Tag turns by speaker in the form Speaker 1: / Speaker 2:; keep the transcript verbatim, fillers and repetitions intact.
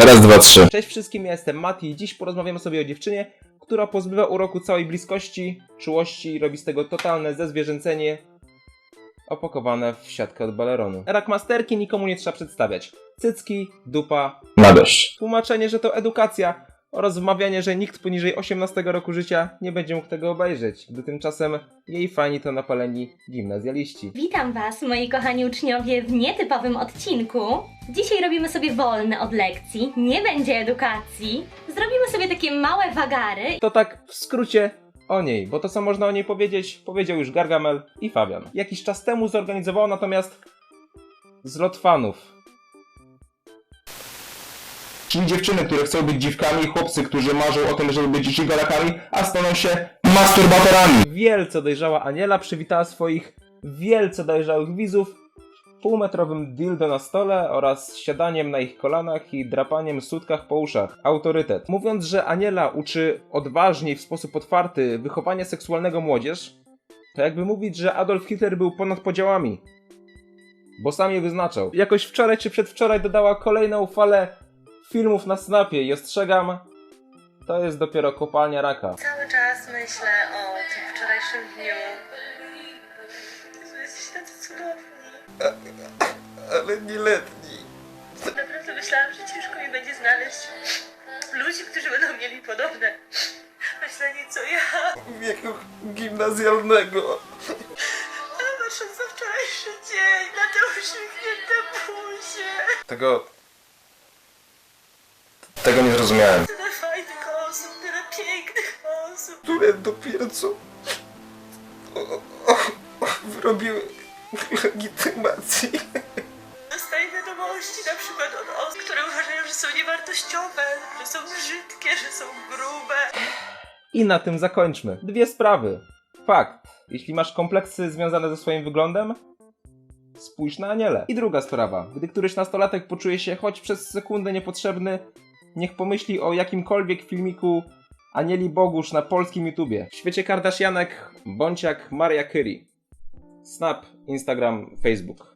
Speaker 1: Raz, dwa, trzy.
Speaker 2: Cześć wszystkim, ja jestem Mati i dziś porozmawiamy sobie o dziewczynie, która pozbywa uroku całej bliskości, czułości i robi z tego totalne zezwierzęcenie opakowane w siatkę od baleronu. Rackmasterki nikomu nie trzeba przedstawiać. Cycki, dupa,
Speaker 1: Na deszcz.
Speaker 2: tłumaczenie, że to edukacja oraz wmawianie, że nikt poniżej osiemnastego roku życia nie będzie mógł tego obejrzeć, gdy tymczasem jej fani to napaleni gimnazjaliści.
Speaker 3: Witam Was, moi kochani uczniowie, w nietypowym odcinku. Dzisiaj robimy sobie wolne od lekcji, nie będzie edukacji. Zrobimy sobie takie małe wagary.
Speaker 2: To tak w skrócie o niej, bo to co można o niej powiedzieć, powiedział już Gargamel i Fabian. Jakiś czas temu zorganizował natomiast zlot fanów.
Speaker 1: Czyli dziewczyny, które chcą być dziwkami, chłopcy, którzy marzą o tym, żeby być żigolakami, a staną się masturbatorami.
Speaker 2: Wielce dojrzała Aniela przywitała swoich wielce dojrzałych widzów półmetrowym dildo na stole oraz siadaniem na ich kolanach i drapaniem sutkach po uszach. Autorytet. Mówiąc, że Aniela uczy odważnie i w sposób otwarty wychowania seksualnego młodzież, to jakby mówić, że Adolf Hitler był ponad podziałami. Bo sam je wyznaczał. Jakoś wczoraj czy przedwczoraj dodała kolejną falę filmów na Snapie i ostrzegam, to jest dopiero kopalnia raka.
Speaker 4: Cały czas myślę o tym wczorajszym dniu. Że jesteś tacy cudowni.
Speaker 1: Ale nieletni.
Speaker 4: Naprawdę myślałam, że ciężko mi będzie znaleźć ludzi, którzy będą mieli podobne myślenie co ja.
Speaker 1: Wieku gimnazjalnego.
Speaker 4: A patrząc na wczorajszy dzień, na te uśmiechnięte buzie.
Speaker 1: Tego... Tego nie zrozumiałem.
Speaker 4: Tyle fajnych osób, tyle pięknych osób.
Speaker 1: Które dopiero co... O, o, o, wyrobiły legitymację.
Speaker 4: Dostaję wiadomości na przykład od osób, które uważają, że są niewartościowe, że są brzydkie, że są grube.
Speaker 2: I na tym zakończmy. Dwie sprawy. Fakt. Jeśli masz kompleksy związane ze swoim wyglądem, spójrz na Anielę. I druga sprawa. Gdy któryś nastolatek poczuje się choć przez sekundę niepotrzebny, niech pomyśli o jakimkolwiek filmiku Anieli Bogusz na polskim YouTubie. W świecie Kardashianek bądź jak Mariah Carey. Snap, Instagram, Facebook.